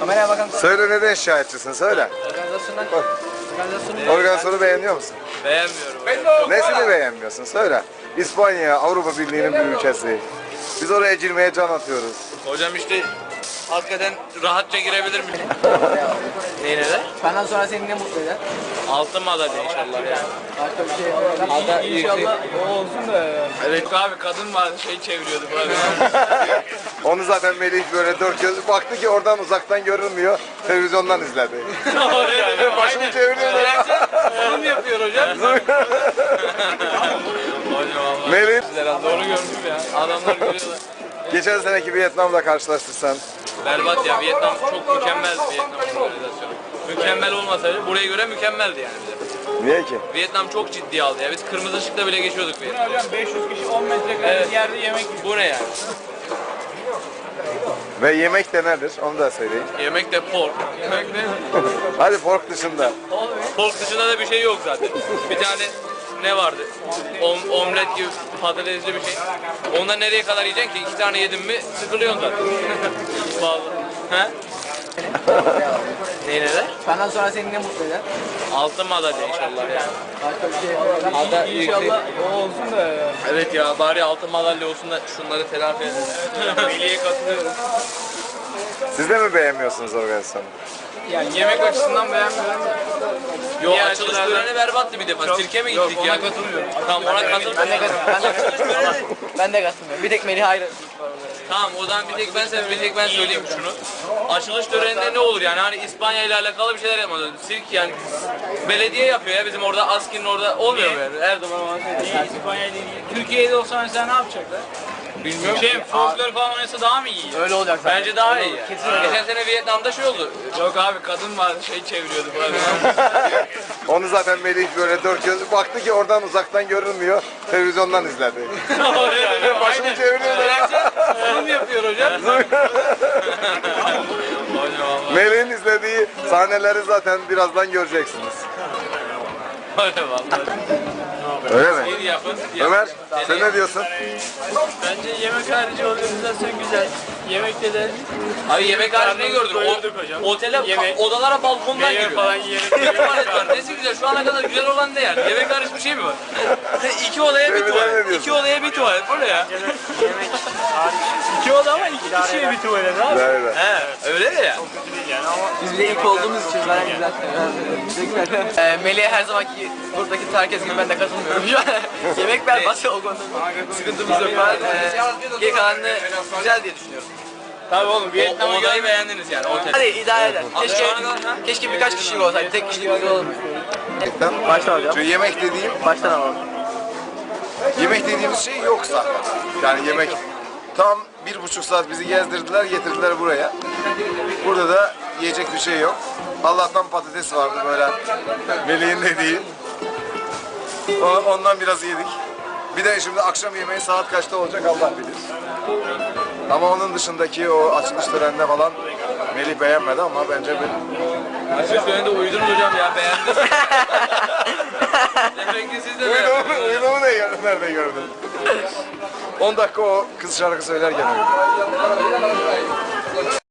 Kameraya bakın. Söyle neden şikayetçisin söyle. Organizasyonu beğeniyor musun? Beğenmiyorum. Nesini beğenmiyorsun söyle. İspanya Avrupa Birliği'nin bir ülkesi. Biz oraya girmeye can atıyoruz. Hocam işte hakikaten rahatça girebilir miyim? Neyine de? Benden sonra seni ne mutlu eder? Altın madalya inşallah yani. Başka bir şey olmaz. İnşallah o olsun da. Evet abi kadın var şey çeviriyordu burada. Onu zaten Melih böyle dört göz baktı ki oradan uzaktan görünmüyor. Televizyondan izledi. Başını çeviriyor. Zoom yapıyor hocam. Hocam Melih, doğru gördüm ya. Adamlar görüyorlar. geçen seneki Vietnam'la karşılaştırsan. Berbat ya, Vietnam çok mükemmeldi, Vietnam organizasyonu. Mükemmel olmasaydı buraya göre mükemmeldi yani bize. Niye ki? Vietnam çok ciddiye aldı ya. Biz kırmızı ışıkta bile geçiyorduk Vietnam. Hocam 500 kişi 10 metrekare yerde yemek yiyor. Bu ne yani? Ve yemek de nedir? Onu da söyleyin. Yemek de pork. Yemek ne? Hadi pork dışında. Pork dışında da bir şey yok zaten. Bir tane ne vardı? Omlet gibi patatesli bir şey. Ondan nereye kadar yiyeceksin ki? 2 tane yedin mi sıkılıyorsun zaten. Vallahi. He? Neyine de? Benden sonra seni ne mutlu eder? Altın madalya inşallah yani. Başka bir şey olmaz. İnşallah o olsun da. Evet ya bari altın madalya olsun da şunları telafi edelim. Veli'ye katılıyorum. Siz de mi beğenmiyorsunuz organizasyonu? Yani yemek açısından beğenmiyorum. Yo Diğer açılış açılardan- töreni berbattı bir defa. Sirke mi gittik Yok, ya? ona katılmıyorum. Tamam ona katılmıyorum. Ben de katılmıyorum. Ben de katılmıyorum. Bir tek Melih ayrı. Tamam o zaman bir tek ben söyleyeyim şunu. Açılış töreninde ne olur yani hani İspanya ile alakalı bir şeyler yapmaz. Sirk yani belediye yapıyor ya bizim orada Askin'in orada olmuyor mu yani? Her zaman olan şey. İspanya ile ilgili. Türkiye'de olsa mesela ne yapacaklar? Bilmiyorum. Folklor falan oynasa daha mı iyi? Öyle olacak zaten. Bence daha iyi. Kesin öyle. Geçen sene Vietnam'da şey oldu. Yok abi kadın var şey çeviriyordu burada. Onu zaten Melih böyle dört göz baktı ki oradan uzaktan görünmüyor. Televizyondan izledi. Başını çeviriyor. Zoom yapıyor hocam. Melih'in izlediği sahneleri zaten birazdan göreceksiniz. Öyle vallahi. Öyle mi? İyi yapın. Ömer, sen ne diyorsun? Bence yemek harici organizasyon güzel. Yemekte de Abi yemek harici ne gördün? doyurduk hocam. Otele, Yemek- odalara balkondan meyve giriyor. falan yiyelim. Bir tuvalet var. Nesi güzel? Şu ana kadar güzel olan ne yani? Yemek hariç bir şey mi var? 2 odaya bir Sevgiler tuvalet. ne diyorsun? 2 odaya bir tuvalet. Bu ne ya? Yemek hariç. 2 oda ama 2 kişiye bir tuvalet abi. Evet. He, öyle de ya. Biz bile ilk olduğumuz için zaten güzel. Güzel. Melih'e her zamanki buradaki herkes gibi ben de katılmıyorum şu an. Yemek berbat o konuda. Sıkıntımız yok. Geri kalanını güzel diye düşünüyorum. Tabii oğlum Vietnam'ı odayı beğendiniz yani otel. Hadi idare eder. Şu ana kadar ha? Keşke birkaç kişilik olsaydı. Tek kişilik güzel olmuyor. Başla hocam. Şu yemek dediğim, Baştan alalım. yemek dediğimiz şey yok zaten. Yani yemek tam 1,5 saat bizi gezdirdiler, getirdiler buraya. Burada da yiyecek bir şey yok. Allah'tan patates vardı böyle Melih'in dediği. Ondan biraz yedik. Bir de şimdi akşam yemeği saat kaçta olacak Allah bilir. Ama onun dışındaki o açılış töreninde falan Melih beğenmedi ama bence Açık söylediğinde uyudunuz hocam ya beğendiniz. Demek ki siz de beğendiniz. Uyuduğumu nerede gördün? 10 dakika o kız şarkı söylerken uyudum.